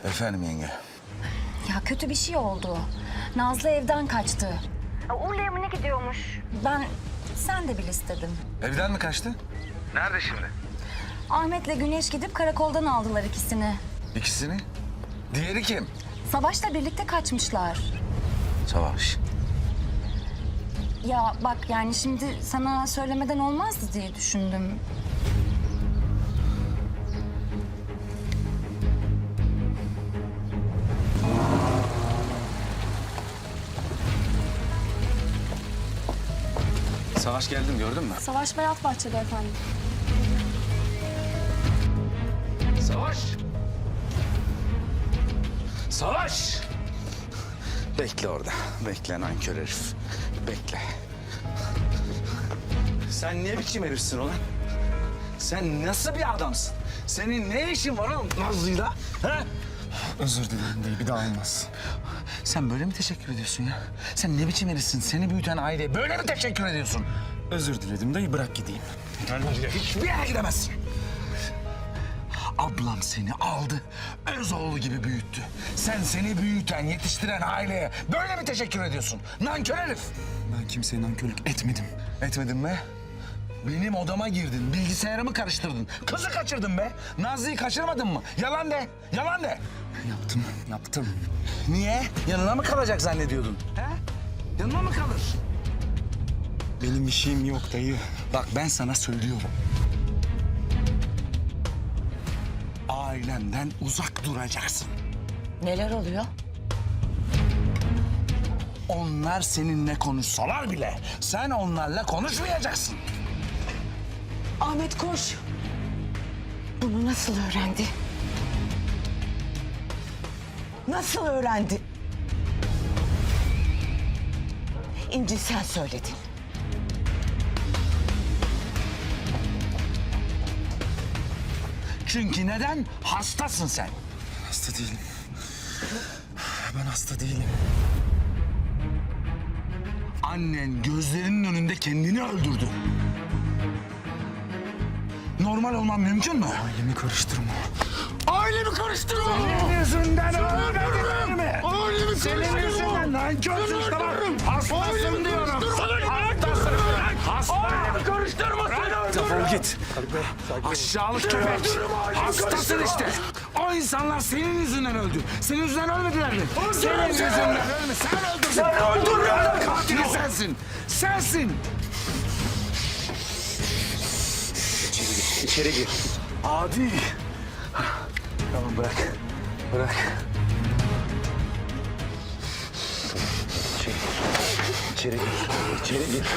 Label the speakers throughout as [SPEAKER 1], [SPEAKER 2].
[SPEAKER 1] Efendim yenge.
[SPEAKER 2] Ya kötü bir şey oldu. Nazlı evden kaçtı. Urla'ya mı ne gidiyormuş? Sen de bil istedim.
[SPEAKER 1] Evden mi kaçtı? Nerede şimdi?
[SPEAKER 2] Ahmet'le Güneş gidip karakoldan aldılar ikisini.
[SPEAKER 1] İkisini? Diğeri kim?
[SPEAKER 2] Savaş'la birlikte kaçmışlar.
[SPEAKER 1] Savaş.
[SPEAKER 2] Ya bak yani şimdi sana söylemeden olmazdı diye düşündüm.
[SPEAKER 1] Savaş geldim gördün mü?
[SPEAKER 2] Savaş Berat Bahçe'de efendim.
[SPEAKER 1] Savaş! Savaş! Bekle orada. Bekle nankör herif. Bekle. Sen ne biçim herifsin ulan? Sen nasıl bir adamsın? Senin ne işin var oğlum Nazlı'yla? Ha?
[SPEAKER 3] Özür dilerim dayı, bir daha olmaz.
[SPEAKER 1] Sen böyle mi teşekkür ediyorsun ya? Sen ne biçim herifsin? Seni büyüten aileye böyle mi teşekkür ediyorsun?
[SPEAKER 3] Özür diledim dayı, bırak gideyim.
[SPEAKER 1] Hiçbir yere gidemezsin. Ablam seni aldı, öz oğlu gibi büyüttü. Sen seni büyüten, yetiştiren aileye böyle mi teşekkür ediyorsun? Nankör herif!
[SPEAKER 3] Ben kimseye nankörlük etmedim.
[SPEAKER 1] Etmedin mi? Benim odama girdin, bilgisayarımı karıştırdın, kızı kaçırdın be. Nazlı'yı kaçırmadın mı? Yalan de, yalan de.
[SPEAKER 3] Yaptım.
[SPEAKER 1] Niye? Yanına mı kalacak zannediyordun? He? Yanına mı kalır?
[SPEAKER 3] Benim bir şeyim yok dayı.
[SPEAKER 1] Bak ben sana söylüyorum. Ailenden uzak duracaksın.
[SPEAKER 2] Neler oluyor?
[SPEAKER 1] Onlar seninle konuşsalar bile sen onlarla konuşmayacaksın.
[SPEAKER 4] Ahmet koş. Bunu nasıl öğrendi? Nasıl öğrendi? İnci sen söyledin.
[SPEAKER 1] Çünkü neden? Hastasın sen.
[SPEAKER 3] Hasta değilim. Ben hasta değilim.
[SPEAKER 1] Annen gözlerinin önünde kendini öldürdü. Normal olman mümkün mü?
[SPEAKER 3] Ailemi karıştırma.
[SPEAKER 1] Ailemi karıştırma! Senin yüzünden öldürdüler mi? Ailemi senin yüzünden nankörsün tamam. Hastasın diyorum. Hastasın. Ailemi karıştırma seni öldürürüm.
[SPEAKER 3] Defol git.
[SPEAKER 1] Aşağılık köpek. Hastasın işte. O insanlar senin yüzünden öldü. Senin yüzünden ölmediler mi? Senin yüzünden ölme. Sen öldürdün. Sen öldürdün. Katili sensin. Sensin.
[SPEAKER 3] İçeri gir.
[SPEAKER 1] Adi. Tamam bırak. Bırak.
[SPEAKER 3] İçeri gir. İçeri gir.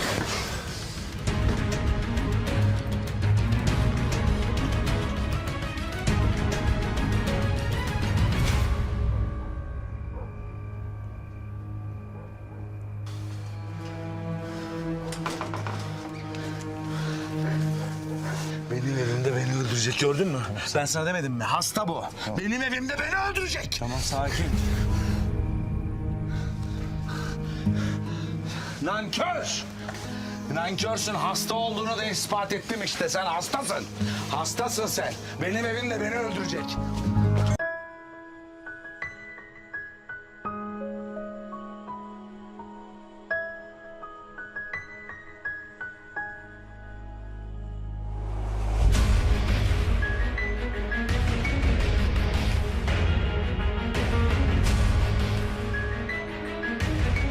[SPEAKER 1] Benim evimde beni öldürecek gördün mü? Ben sana demedim mi? Hasta bu. Benim evimde beni öldürecek.
[SPEAKER 3] Tamam sakin.
[SPEAKER 1] Nankör! Nankörsün, hasta olduğunu da ispat ettim işte. Sen hastasın. Hastasın sen. Benim evimde beni öldürecek.